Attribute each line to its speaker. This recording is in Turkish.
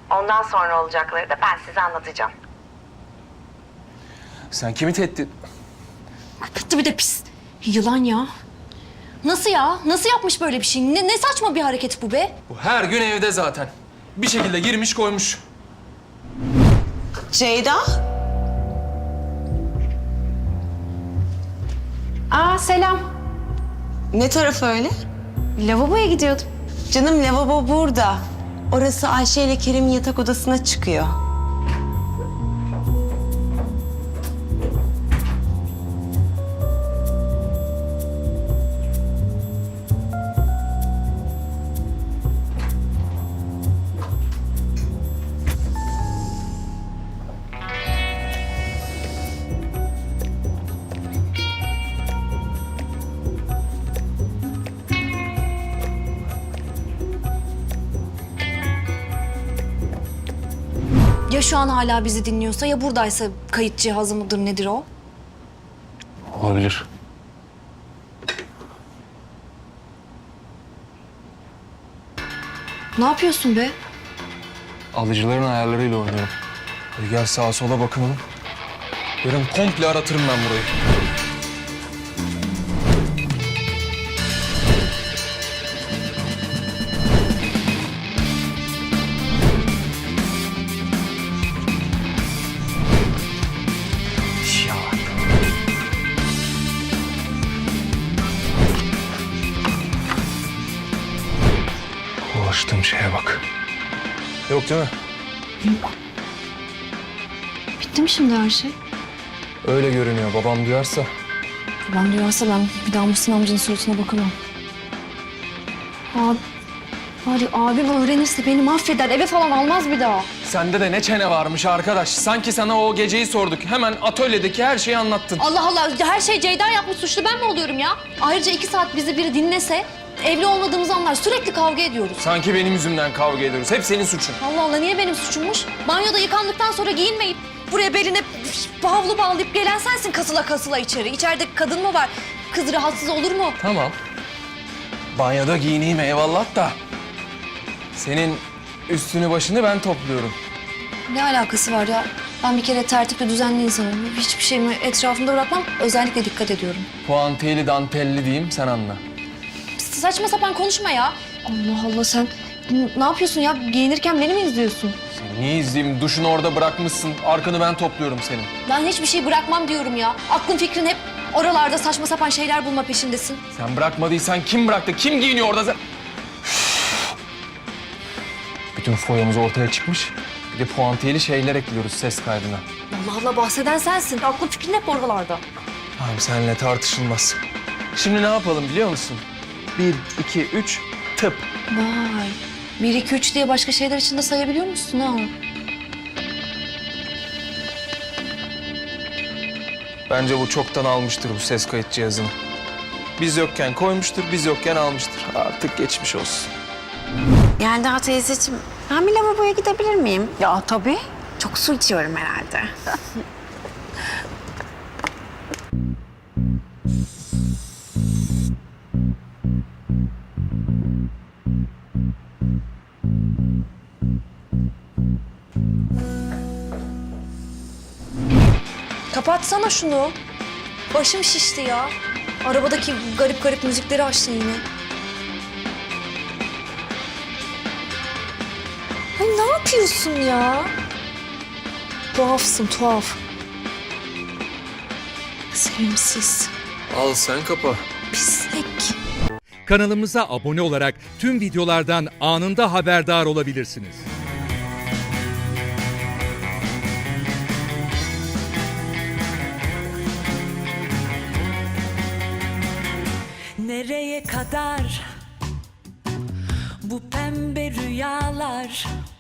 Speaker 1: Ondan sonra olacakları da ben size anlatacağım.
Speaker 2: Sen kimi tehdit...
Speaker 3: Kötü bir de pis. Yılan ya. Nasıl ya? Nasıl yapmış böyle bir şey? Ne saçma bir hareket bu be?
Speaker 2: Bu her gün evde zaten. Bir şekilde girmiş koymuş.
Speaker 4: Ceyda?
Speaker 3: Aa selam.
Speaker 4: Ne tarafı öyle?
Speaker 3: Lavaboya gidiyordum.
Speaker 4: Canım lavabo burada. Orası Ayşe ile Kerim'in yatak odasına çıkıyor.
Speaker 3: Ya şu an hala bizi dinliyorsa ya buradaysa kayıt cihazı mıdır nedir o?
Speaker 2: Olabilir.
Speaker 3: Ne yapıyorsun be?
Speaker 2: Alıcıların ayarlarıyla oynuyorum. Hadi gel sağa sola bakınalım. Yarın komple aratırım ben burayı. Ya. Ulaştığım şeye bak. Yok değil mi?
Speaker 3: Bitti mi şimdi her şey?
Speaker 2: Öyle görünüyor. Babam duyarsa.
Speaker 3: Ben duyarsa ben bir daha Muhsin amcanın suratına bakamam. Abi, hadi abim öğrenirse beni mahveder. Eve falan almaz bir daha.
Speaker 2: Sende de ne çene varmış arkadaş. Sanki sana o geceyi sorduk. Hemen atölyedeki her şeyi anlattın.
Speaker 3: Allah Allah, her şey Ceyda yapmış, suçlu ben mi oluyorum ya? Ayrıca 2 saat bizi biri dinlese evli olmadığımızı anlar. Sürekli kavga ediyoruz.
Speaker 2: Sanki benim yüzümden kavga ediyoruz. Hep senin suçun.
Speaker 3: Allah Allah, niye benim suçummuş? Banyoda yıkandıktan sonra giyinmeyip buraya beline havlu bağlayıp gelen sensin kasıla kasıla içeri. İçeride kadın mı var? Kız rahatsız olur mu?
Speaker 2: Tamam. Banyoda giyineyim eyvallah da. Senin üstünü başını ben topluyorum.
Speaker 3: Ne alakası var ya? Ben bir kere tertipli düzenli insanım. Hiçbir şeyimi etrafımda bırakmam. Özellikle dikkat ediyorum.
Speaker 2: Puantiyeli dantelli diyeyim sen anla.
Speaker 3: Saçma sapan konuşma ya. Allah Allah, sen ne yapıyorsun ya? Giyinirken beni mi izliyorsun?
Speaker 2: Seni niye izleyeyim? Duşunu orada bırakmışsın. Arkanı ben topluyorum senin.
Speaker 3: Ben hiçbir şey bırakmam diyorum ya. Aklın fikrin hep oralarda saçma sapan şeyler bulma peşindesin.
Speaker 2: Sen bırakmadıysan kim bıraktı? Kim giyiniyor orada? Bütün foyamız ortaya çıkmış. Bir de puantiyeli şeyler ekliyoruz ses kaydına.
Speaker 3: Allah Allah, bahseden sensin. Aklın fikrin hep oralarda.
Speaker 2: Tamam seninle tartışılmaz. Şimdi ne yapalım biliyor musun? 1, 2, 3, tıp.
Speaker 3: Vay. 1, 2, 3 diye başka şeyler için de sayabiliyor musun ha?
Speaker 2: Bence bu çoktan almıştır bu ses kayıt cihazını. Biz yokken koymuştur, biz yokken almıştır. Artık geçmiş olsun.
Speaker 4: Yelda teyzeciğim, ben bir lavaboya gidebilir miyim? Ya tabii. Çok su içiyorum herhalde.
Speaker 3: Kapatsana şunu. Başım şişti ya. Arabadaki garip garip müzikleri açtın yine. Ay ne yapıyorsun ya? Tuhafsın, tuhaf. Sevimsiz,
Speaker 2: Al sen kapa.
Speaker 3: pislik.
Speaker 5: Kanalımıza abone olarak tüm videolardan anında haberdar olabilirsiniz.
Speaker 6: Nereye kadar bu pembe rüyalar?